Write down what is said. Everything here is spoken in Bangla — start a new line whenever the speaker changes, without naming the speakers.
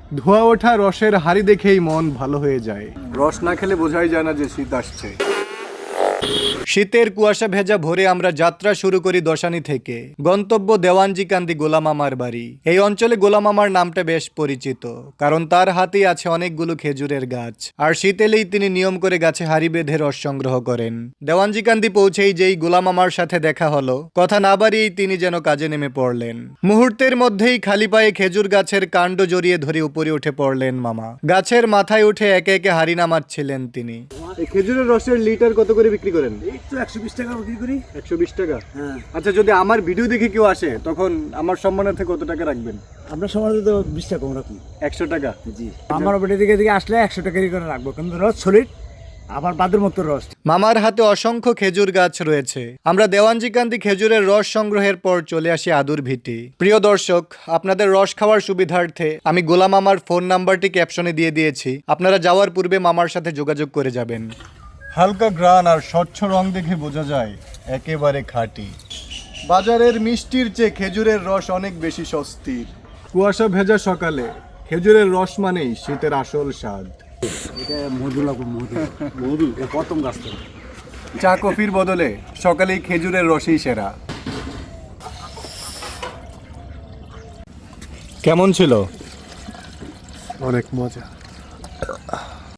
ধোয়া ওঠা রসের হাড়ি দেখেই মন ভালো হয়ে যায়। রস না খেলে বোঝাই যায় না যে শীত আসছে। শীতের কুয়াশা ভেজা ভোরে আমরা যাত্রা শুরু করি দশানি থেকে। গন্তব্য দেওয়ানজিকান্দি গোলাম মামার বাড়ি। এই অঞ্চলে গোলাম মামার নামটা বেশ পরিচিত, কারণ তার হাতেই আছে অনেকগুলো খেজুরের গাছ। আর শীত এলেই তিনি নিয়ম করে গাছে হাড়ি বেঁধে রস সংগ্রহ করেন। দেওয়ানজিকান্দি পৌঁছেই যেই গোলাম মামার সাথে দেখা হলো, কথা না বাড়িয়েই তিনি যেন কাজে নেমে পড়লেন। মুহূর্তের মধ্যেই খালি পায়ে খেজুর গাছের কাণ্ড জড়িয়ে ধরে উপরে উঠে পড়লেন মামা। গাছের মাথায় উঠে একে একে হাড়ি নামাচ্ছিলেন তিনি। এই খেজুরের রসের লিটার কত করে বিক্রি করেন?
এই তো 120 টাকা বিক্রি করি।
120 টাকা?
হ্যাঁ।
আচ্ছা, যদি আমার ভিডিও দেখে কেউ আসে তখন আমার সম্মানার্থে কত টাকা রাখবেন?
আপনার সময় তো 20 টাকা কম রাখুন।
100 টাকা?
জি। আমার বেটে দিকে আসলে 100 টাকারই করে রাখবো, কিন্তু রস সলিড, আবার বাদের মতো রস।
মামার হাতে অসংখ্য খেজুর গাছ রয়েছে। আমরা দেওয়ানজিকান্দি খেজুরের রস সংগ্রহের পর চলে আসি আদুর ভিটি। প্রিয় দর্শক, আপনাদের রস খাওয়ার সুবিধার্থে আমি গোলাম মামার ফোন নাম্বারটি ক্যাপশনে দিয়ে দিয়েছি। আপনারা যাওয়ার পূর্বে মামার সাথে যোগাযোগ করে যাবেন। হালকা গ্রান আর স্বচ্ছ রং দেখে বোঝা যায় একেবারে খাঁটি। বাজারের মিষ্টির চেয়ে খেজুরের রস অনেক বেশি স্বস্তির। কুয়াশা ভেজা সকালে খেজুরের রস মানেই শীতের আসল স্বাদ।
এটা মধু লাগবে, মধু। মধু এটা প্রথম গাছ থেকে।
চা কফির বদলে সকালেই খেজুরের রসই সেরা। কেমন ছিল?
অনেক মজা।